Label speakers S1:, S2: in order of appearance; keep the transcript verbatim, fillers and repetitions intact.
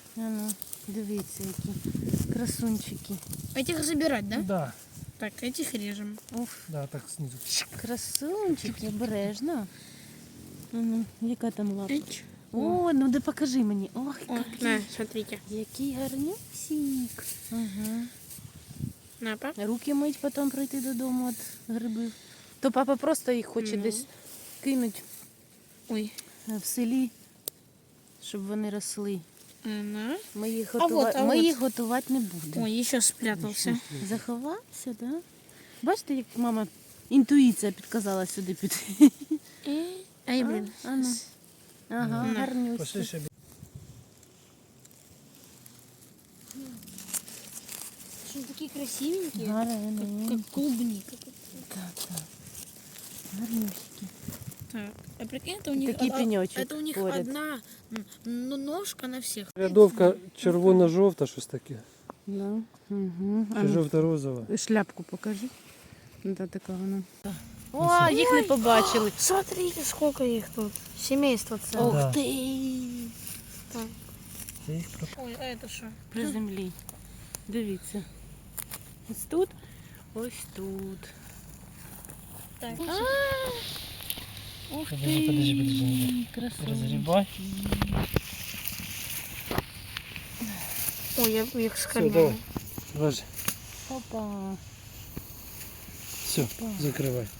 S1: А ну, дивіться, які красунчики.
S2: Этих забирать, да?
S3: Да,
S2: Так, этих режем.
S1: Уф,
S3: да, так снизу.
S1: красунчики, обережно. А ну, яка там лапа?
S2: Эч.
S1: О, ну да покажи мені. Ох,
S2: О, на, смотрите.
S1: який гарнюсік. Ага.
S2: На, пап.
S1: Руки мить, потім прийти додому від грибів. То папа просто їх хоче
S2: Ну.
S1: десь кинуть
S2: Ой.
S1: в селі, щоб вони росли.
S2: На.
S1: Ми їх,
S2: А
S1: готува...
S2: вот, а
S1: Ми
S2: вот.
S1: їх готувати не будемо.
S2: Ой, еще спрятался.
S1: Заховався, так? Да? Бачите, як мама інтуїція підказала сюди піти.
S2: Э, Ай, блин.
S1: А, а ну. Ага,
S2: На.
S1: гарнюсі.
S3: Пошли ще.
S2: Что, такие красивенькие?
S1: Гарні.
S2: Как клубника.
S1: Так, так. Гарнюсики.
S2: Так, а прикинь, это у них,
S1: Такий
S2: а- а-
S1: пенечок
S2: это у них
S1: поряд.
S2: одна м, ну, ножка на всех.
S3: Рядовка червоно-жовта, щось таке.
S1: Да. Угу.
S3: Чи жовто-розова.
S1: Шляпку покажи. Да, така вона. О, їх не побачили.
S2: Смотрите, сколько их тут. Семейство целое.
S1: Ух
S3: Да.
S1: ти!
S2: Так.
S3: Я їх про-
S2: Ой, а это что?
S1: При землі. Дивіться. Ось тут, ось тут.
S2: Так.
S1: Ух
S3: Подожди, подожди, подожди.
S1: Красиво.
S3: Розгрібай.
S2: Ой, я их
S3: Все,
S2: скормила.
S3: давай. Ложи.
S1: Опа.
S3: Все, закривай.